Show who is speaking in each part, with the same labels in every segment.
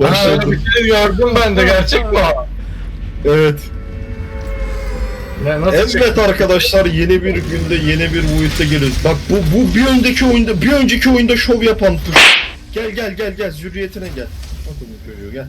Speaker 1: Öyle bir şey gördüm ben de, gerçek mi o?
Speaker 2: Evet.
Speaker 1: Ne, nasıl
Speaker 2: Evet arkadaşlar, yeni bir günde yeni bir boyutta geliyoruz. Bak bu bir önceki oyunda şov yapan tuş. Gel zürriyetine gel. Bak onu görüyor, gel.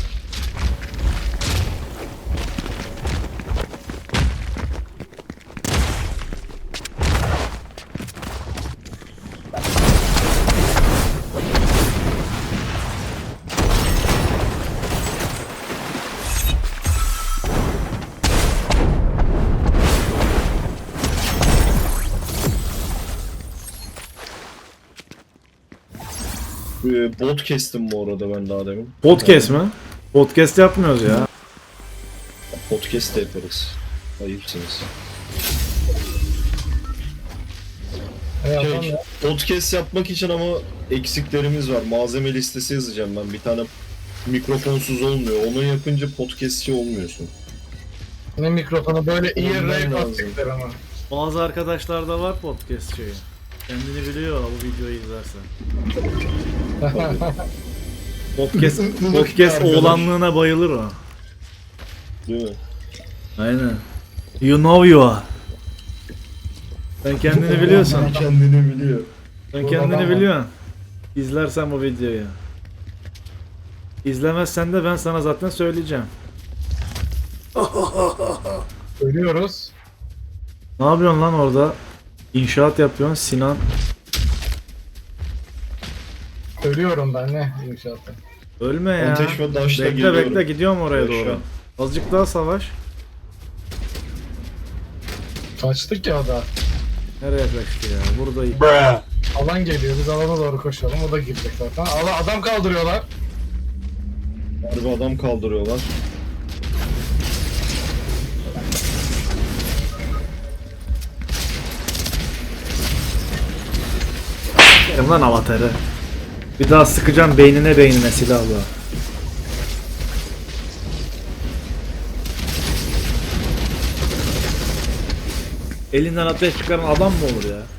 Speaker 2: Bot kestim bu arada ben daha demin.
Speaker 3: Podcast mi? Podcast yapmıyoruz ya.
Speaker 2: Podcast da yaparız. Ayıpsınız. Podcast yapmak için ama eksiklerimiz var. Malzeme listesi yazacağım ben. Bir tane mikrofonsuz olmuyor. Onu yapınca podcastçi olmuyorsun.
Speaker 1: Ne mikrofonu böyle iyi
Speaker 2: Ondan
Speaker 1: rap
Speaker 2: lazım.
Speaker 1: attıklar ama.
Speaker 3: Bazı arkadaşlarda var podcast şeyi. Kendini biliyor bu videoyu izlersen. Podcast oğlanlığına bayılır o.
Speaker 2: Değil mi?
Speaker 3: Aynen. You know you are. Sen kendini biliyorsun.
Speaker 2: Kendini biliyor.
Speaker 3: Sen kendini biliyorsun. İzlersen bu videoyu. İzlemezsen de ben sana zaten söyleyeceğim.
Speaker 1: Ölüyoruz.
Speaker 3: Ne yapıyorsun lan orada? İnşaat yapıyorsun Sinan.
Speaker 1: Ölüyorum ben ne inşaatta.
Speaker 3: Ölme ya.
Speaker 2: Ateş ve taşla
Speaker 3: Bekle
Speaker 2: geliyorum.
Speaker 3: bekle gidiyorum oraya
Speaker 2: Yaşa.
Speaker 3: doğru. Azıcık daha savaş.
Speaker 1: Kaçtık ya da.
Speaker 3: Nereye kaçtı ya? Buradayım.
Speaker 1: Alan geliyor, biz alana doğru koşalım, o da girecek zaten. Adam kaldırıyorlar.
Speaker 2: Harbi adam kaldırıyorlar.
Speaker 3: Yerim lan avatarı. Bir daha sıkacağım beynine silahla. Elinden ateş çıkaran adam mı olur ya?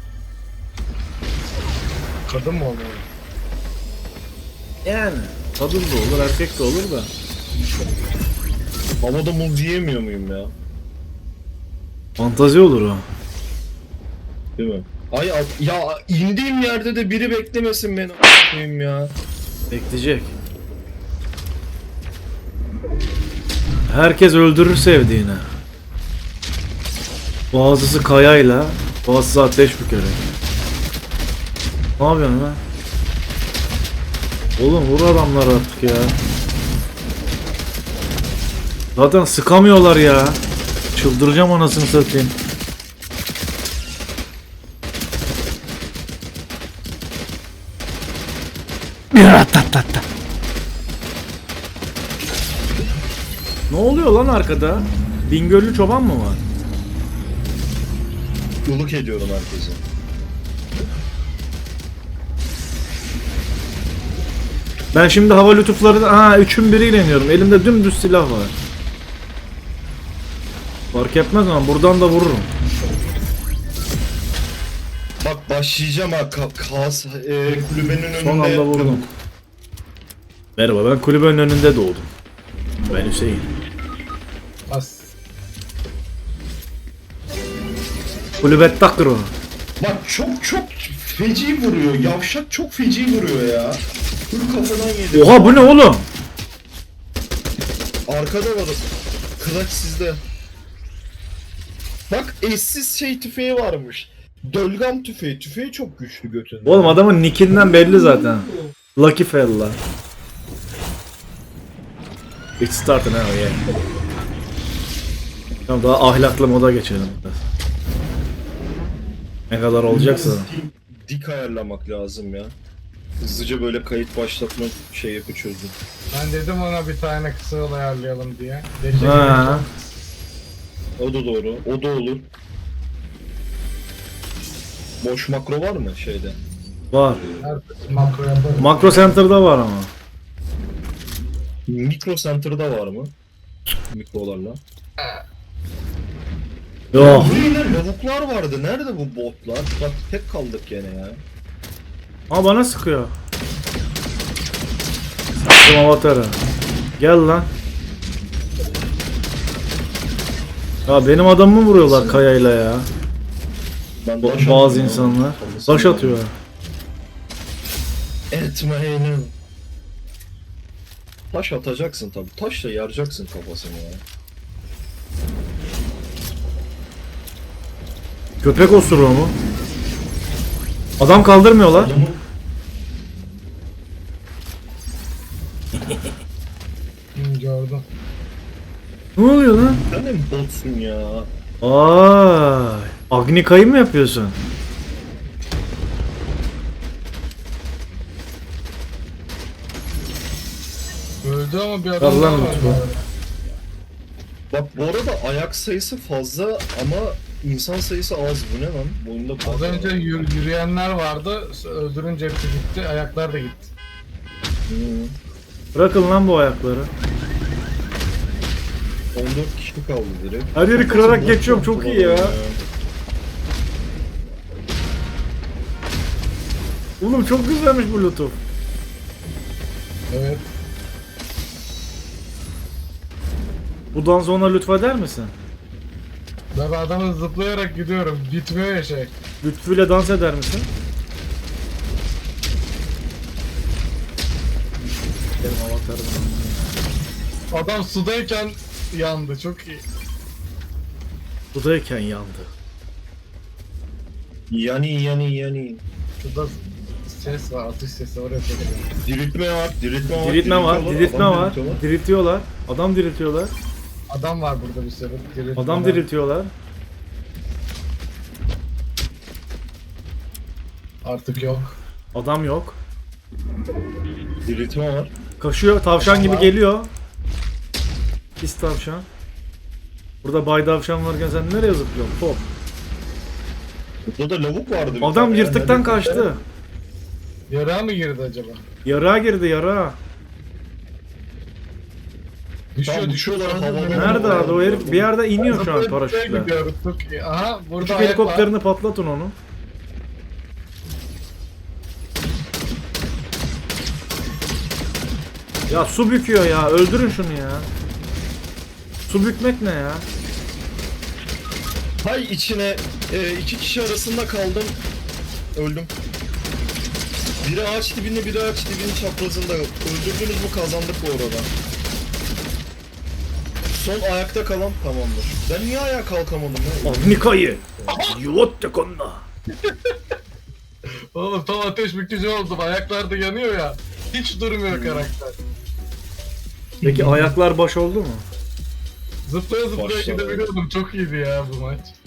Speaker 1: Kadın mı olmalı?
Speaker 3: Yani kadın da olur erkek de olur da.
Speaker 2: Havada muz yiyemiyor muyum ya?
Speaker 3: Fantazi olur o.
Speaker 2: Değil mi? Ya indiğim yerde de biri beklemesin beni a**ayım ya.
Speaker 3: Bekleyecek. Herkes öldürür sevdiğini. Bazısı kayayla, bazısı ateş bükerek. Ne yapıyorsun lan? Oğlum vur adamları artık ya. Zaten sıkamıyorlar ya. Çıldıracağım anasını satayım. Ne oluyor lan arkada? Bingöllü çoban mı var?
Speaker 2: Yoluk ediyorum herkese.
Speaker 3: Ben şimdi hava lütufları... üçün biriyle iniyorum. Elimde dümdüz silah var. Fark etmez ama buradan da vururum.
Speaker 2: Bak başlayacağım ha kulübenin önünde.
Speaker 3: Son anda vurdum. Merhaba, ben kulübenin önünde doğdum. Ben Hüseyin.
Speaker 1: As.
Speaker 3: Kulübet takro.
Speaker 2: Bak çok feci vuruyor. Yavşak çok feci vuruyor ya. Full kafadan yedi.
Speaker 3: Oha bu ne oğlum?
Speaker 2: Arkada var. Kılaç sizde. Bak eşsiz tüfeği varmış. Dölgam tüfeği. Tüfeği çok güçlü götünde.
Speaker 3: Oğlum adamın nickinden belli zaten. Lucky fella. It's starting now yeah. Tamam daha ahlaklı moda geçelim biraz. Ne kadar olacaksa.
Speaker 2: Dik ayarlamak lazım ya. Hızlıca böyle kayıt başlatma yapı çözdüm.
Speaker 1: Ben dedim ona bir tane kısa yol ayarlayalım diye. Deli
Speaker 3: Ha.
Speaker 2: O da doğru. O da olur. Boş makro var mı şeyde?
Speaker 3: Var.
Speaker 1: her makro yaparım.
Speaker 3: Makro Center'da var ama.
Speaker 2: Mikro Center'da var mı? Mikrolarla.
Speaker 3: Yok.
Speaker 2: Bu yine lavuklar vardı. Nerede bu botlar? Bak tek kaldık gene ya.
Speaker 3: Ama bana sıkıyor. Benim avatarı. Gel lan. Ya benim adamımı vuruyorlar kayayla ya.
Speaker 2: Ben
Speaker 3: Bazı insanlar. Taş atıyor.
Speaker 2: Etmeyelim. Taş atacaksın tabi. Taşla yaracaksın kafasını ya.
Speaker 3: Köpek osuruğu mu? Adam kaldırmıyorlar.
Speaker 2: Adamın
Speaker 1: Gördüm.
Speaker 3: Ne oluyor lan?
Speaker 2: sen de mi botsun ya?
Speaker 3: Ay, Agnika'yı mı yapıyorsun?
Speaker 1: Öldü ama bir adam
Speaker 3: Allah'ım
Speaker 1: daha var.
Speaker 3: lütfen.
Speaker 2: Bak bu arada ayak sayısı fazla ama insan sayısı az. Bu ne lan? Bu oyunda
Speaker 1: Az önce yürüyenler vardı. Öldürünce hepsi gitti. Ayaklar da gitti.
Speaker 3: Bırakın lan bu ayakları.
Speaker 2: 14 kişi kaldı direkt.
Speaker 3: Her yeri kırarak geçiyorum, çok iyi ya. Oğlum çok güzelmiş bu lütuf.
Speaker 1: Evet.
Speaker 3: Bundan sonra lütfeder misin?
Speaker 1: Ben adamı zıplayarak gidiyorum. Bitmiyor ya şey.
Speaker 3: Lütfüyle dans eder misin? Benim avatarım.
Speaker 1: Adam sudayken yandı. Çok iyi.
Speaker 3: Budayken yandı.
Speaker 2: Yani.
Speaker 1: Şurada ses var. Atış sesi oraya çekiyor.
Speaker 2: Diriltme var.
Speaker 3: Diriltme var,
Speaker 2: diriltiyorlar,
Speaker 3: diriltme
Speaker 2: adam
Speaker 3: var.
Speaker 2: diriltiyorlar.
Speaker 3: Diriltiyorlar. Adam diriltiyorlar.
Speaker 1: Adam var burada bir sürü.
Speaker 3: Adam diriltiyorlar.
Speaker 1: Artık yok.
Speaker 3: Adam yok.
Speaker 2: Diriltme var.
Speaker 3: Kaşıyor, tavşan gibi
Speaker 1: Var.
Speaker 3: geliyor. Pis tavşan. Burada bay tavşan varken sen nereye zıplıyorsun? Top.
Speaker 2: Burada da lavuk vardı. bir
Speaker 3: Adam
Speaker 2: tane.
Speaker 3: yırtıktan
Speaker 2: Yani
Speaker 3: kaçtı.
Speaker 1: Yarağa mı girdi acaba?
Speaker 3: Yarağa girdi, yarağa.
Speaker 1: Düşüyor
Speaker 2: Tamam,
Speaker 1: düşüyor.
Speaker 2: uçuyorlar,
Speaker 1: Sonra
Speaker 2: havada.
Speaker 1: dönüyor.
Speaker 3: Nerede abi o herif? Bir yerde iniyor şu an
Speaker 1: Zıplaya
Speaker 3: paraşütle.
Speaker 1: gidiyoruz. Çok iyi. Aha burada
Speaker 3: Küçük
Speaker 1: ayak var.
Speaker 3: helikopterini patlatın onu. Ya su büküyor ya. Öldürün şunu ya. Su bükmek ne ya?
Speaker 2: Hay içine iki kişi arasında kaldım. Öldüm. Biri ağaç dibinde, biri ağaç dibinin çaprazında. Öldürdünüz mü kazandık bu arada. Son ayakta kalan tamamdır. Ben niye ayağa kalkamadım ya?
Speaker 3: Agnika'yı. Yuvatte konna.
Speaker 1: Oğlum tam ateş bükücü oldum. Ayaklar da yanıyor ya. Hiç durmuyor karakter.
Speaker 3: Peki ayaklar baş oldu mu?
Speaker 1: Zıplaya zıplaya
Speaker 2: Başladı.
Speaker 1: gidebiliyordum. Çok iyiydi ya bu maç.